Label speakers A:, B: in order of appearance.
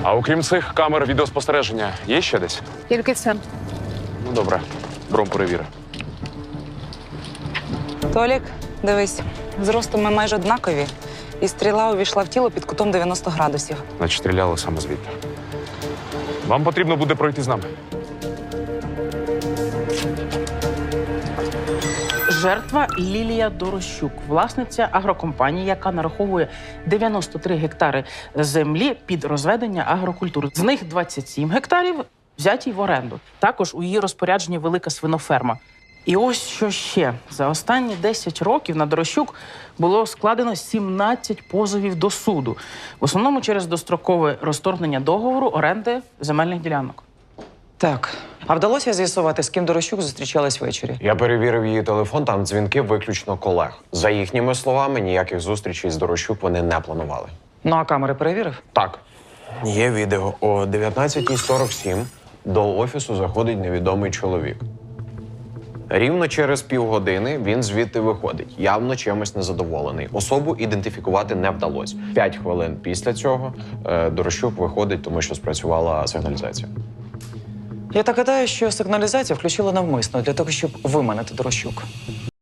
A: А окрім цих камер відеоспостереження, є ще десь?
B: Тільки це.
A: Ну, добре. Бром перевіри.
C: Толік, дивись, зростом ми майже однакові, і стріла увійшла в тіло під кутом 90 градусів.
A: Значить, стріляли саме звідти. Вам потрібно буде пройти з нами.
D: Жертва Лілія Дорощук, власниця агрокомпанії, яка нараховує 93 гектари землі під розведення агрокультур. З них 27 гектарів взяті в оренду. Також у її розпорядженні велика свиноферма. І ось що ще. За останні 10 років на Дорощук було складено 17 позовів до суду. В основному через дострокове розторгнення договору оренди земельних ділянок.
C: Так. А вдалося з'ясувати, з ким Дорощук зустрічалась ввечері?
E: Я перевірив її телефон, там дзвінки виключно колег. За їхніми словами, ніяких зустрічей з Дорощук вони не планували.
C: Ну, а камери перевірив?
E: Так, є відео. О 19:47 до офісу заходить невідомий чоловік. Рівно через півгодини він звідти виходить, явно чимось незадоволений. Особу ідентифікувати не вдалося. 5 хвилин після цього Дорощук виходить, тому що спрацювала сигналізація.
C: Я так гадаю, що сигналізацію включили навмисно, для того, щоб виманити Дорощук.